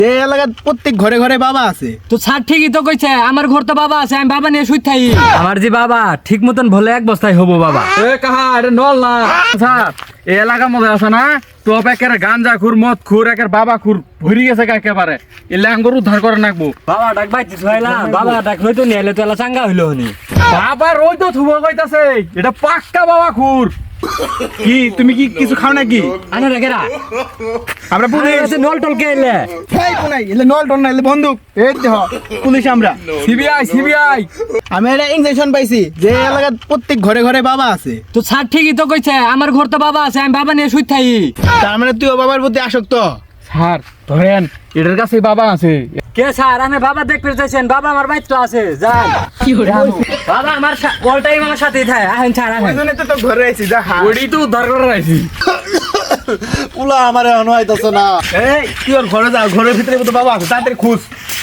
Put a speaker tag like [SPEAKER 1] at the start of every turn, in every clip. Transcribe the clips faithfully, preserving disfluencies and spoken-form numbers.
[SPEAKER 1] এই এলাকার প্রত্যেক ঘরে ঘরে বাবা আছে।
[SPEAKER 2] তো স্যার ঠিকই তো কইছে, আমার ঘর তো বাবা আছে, আমি বাবা নিয়ে শুই থাই। আমার যে বাবা ঠিক মতন ভলে এক বস্তায় হবো বাবা।
[SPEAKER 3] এ কাহা এটা নল না স্যার, এই এলাকার মধ্যে আছে না তো একের গাঞ্জা খুর মদ খুর একের বাবা খুর ভরি গেছে একেবারে, এলে আঙ্গুর উদ্ধার করে নাকবো।
[SPEAKER 2] বাবা ডাক বাইতে ছয়লা, বাবা ডাক হইতো নিয়ে এলে তো এলা চাঙ্গা হইলো হনি।
[SPEAKER 3] বাবা রই তো থুবো কইতাছে, এটা পাক্কা বাবা খুর।
[SPEAKER 1] কি তুমি কি কিছু খাও নাকি?
[SPEAKER 2] আনে রেখেরা
[SPEAKER 1] আমরা পুলিশ।
[SPEAKER 2] নল টল কে এলে
[SPEAKER 1] এই কোনাই এলে নল টল না এলে বন্দুক। এই দেহ পুলিশ আমরা।
[SPEAKER 3] সিবিআই সিবিআই
[SPEAKER 1] আমি একটা ইনজেকশন পাইছি যে এই এলাকার প্রত্যেক ঘরে ঘরে বাবা আছে।
[SPEAKER 2] তো স্যার ঠিকই তো কইছে, আমার ঘর তো বাবা আছে, আমি বাবা নিয়ে শুই থাই।
[SPEAKER 1] তার মানে তুইও বাবার প্রতি আসক্ত।
[SPEAKER 3] স্যার ধরেন এটার কাছে বাবা আছে।
[SPEAKER 2] কে স্যার আমি বাবা দেখতে চাইছেন? বাবা আমার বাইক তো আছে, যান। বাবা আমার অল টাইম আমার সাথেই থাকে। আহেন স্যার আহেন।
[SPEAKER 1] ওইজন্য তো তোর ঘরে আইছি যা খা।
[SPEAKER 3] ওইটাই তো উদ্ধার করে রাখছি।
[SPEAKER 4] পুলা আমারে অনহাইতাছে না।
[SPEAKER 1] এই তুই ওর ঘরে যা, ঘরের ভিতরে তো বাবা আছে, তাড়াতাড়ি খুঁজ।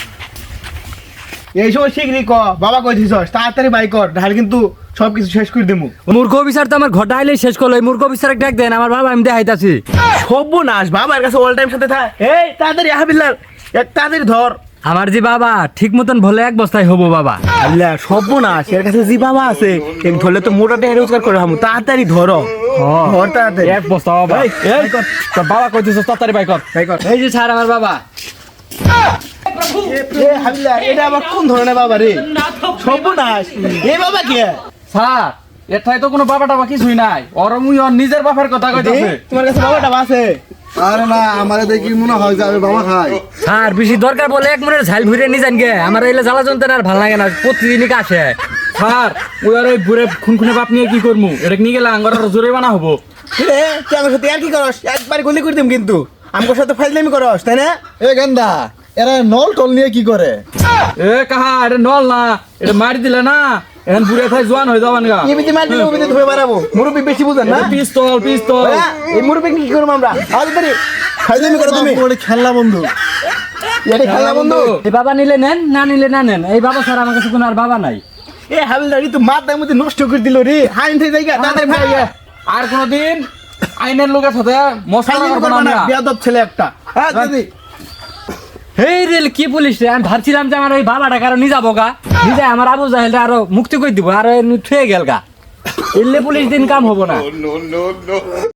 [SPEAKER 1] এই সময় শিগগিরই ক বাবা কই দিছস, তাড়াতাড়ি বাই কর, ঢাল কিন্তু সবকিছু শেষ করে দেবো।
[SPEAKER 2] মূর্খ বিচার তো আমার ঘটা আইলেই শেষ করলো। এই মূর্খ বিচার ডাক দেন, আমার বাবা আমি দেখাইতাছি।
[SPEAKER 1] সর্বনাশ, বাবার কাছে অল টাইম সাথে থাক। এই তাড়াতাড়ি হাবিল্লার এক তাড়াতাড়ি ধর।
[SPEAKER 2] আমার যে বাবা ঠিক মতন ভলে এক বস্তায় হবো বাবা।
[SPEAKER 1] আল্লাহ সর্বনাশ, এর কাছে জি বাবা আছে এক ধরলে তো মোটা টাকা রোজগার করে হামু। তাড়াতাড়ি ধরো ধর তাড়াতাড়ি।
[SPEAKER 3] এক বস্তা বাবা।
[SPEAKER 1] এই,
[SPEAKER 3] এই তোর বাবা কইতেছিস তাড়াতাড়ি বাই কর।
[SPEAKER 1] বাই কর।
[SPEAKER 2] এই যে স্যার আমার বাবা।
[SPEAKER 1] এ হাবিল্লার এটা আবার কোন ধরনের বাবা রে? সর্বনাশ, এই বাবা কে?
[SPEAKER 3] স্যার এটাই তো কোনো বাবা টাবা কিছুই নাই, ওর মুই ওর নিজের বাপের কথা কইতাছে।
[SPEAKER 1] এই, তোমার কাছে বাবাটা আছে?
[SPEAKER 4] আরে না, আমারে দেখি মনে হয় যে আমি বাবা খাই।
[SPEAKER 2] স্যার বেশি দরকার বলে এক মনের ঝাল ভুইরে নিয়ে যান গে। আমার এলে জ্বালা যন্ত্রণা আর ভালো লাগে না, প্রতিদিনই কাছে।
[SPEAKER 3] স্যার ওই আর ওই বুড়ে খুনখুনে বাপ নিয়ে কি করমু, এটা নিয়ে গেলে আঙ্গর জোরে বানা হবো।
[SPEAKER 1] রে তুই আমার সাথে আর কি করস? একবার গুলি করে দিম কিন্তু। আমার সাথে ফাইজলামি করস তাই না?
[SPEAKER 4] এ গেন্দা, এরা নল টল নিয়ে কি করে?
[SPEAKER 3] এ কাহা এটা নল না, এটা মারি দিলে না এখন বুড়ে থাই জোয়ান হয়ে যাবান গা।
[SPEAKER 1] এমনিতে মার দিলে ওবিতে ধুয়ে বাড়াবো। মুরব্বি বেশি বুঝেন না?
[SPEAKER 3] পিস্তল পিস্তল।
[SPEAKER 1] হ্যাঁ, এই মুরব্বি কি করবো আমরা? তাড়াতাড়ি ফাইজলামি করো তুমি।
[SPEAKER 4] বাপু, ওটা খেলনা বন্ধু।
[SPEAKER 1] এটা খেলা বন্ধু।
[SPEAKER 2] এই বাবা নিলে নেন, না নিলে না নেন। এই বাবা স্যার আমার কাছে কোনো আর বাবা নাই।
[SPEAKER 1] এ হাবিলদারি তো মাথার মধ্যে নষ্ট করে দিল রে। হাইন থেকে জায়গা তাড়াতাড়ি ভাই।
[SPEAKER 3] আর কোনদিন আইনের লোকের সাথে মশলা
[SPEAKER 1] ফাইজলামি
[SPEAKER 3] করবো
[SPEAKER 1] করবো
[SPEAKER 3] না
[SPEAKER 1] না,
[SPEAKER 3] আমরা।
[SPEAKER 1] বেয়াদব ছেলে একটা। হ্যাঁ দিদি।
[SPEAKER 2] এই রেল কি পুলিশ রে? আমি ভাবছিলাম যে আমার ওই বাবাটা কারো নিয়ে যাবো গা, নিজে আমার আবু জাহেলটা আরো মুক্তি করে দিব, আর থুয়ে গেল গা। এলে পুলিশ দিন কাম হবো না।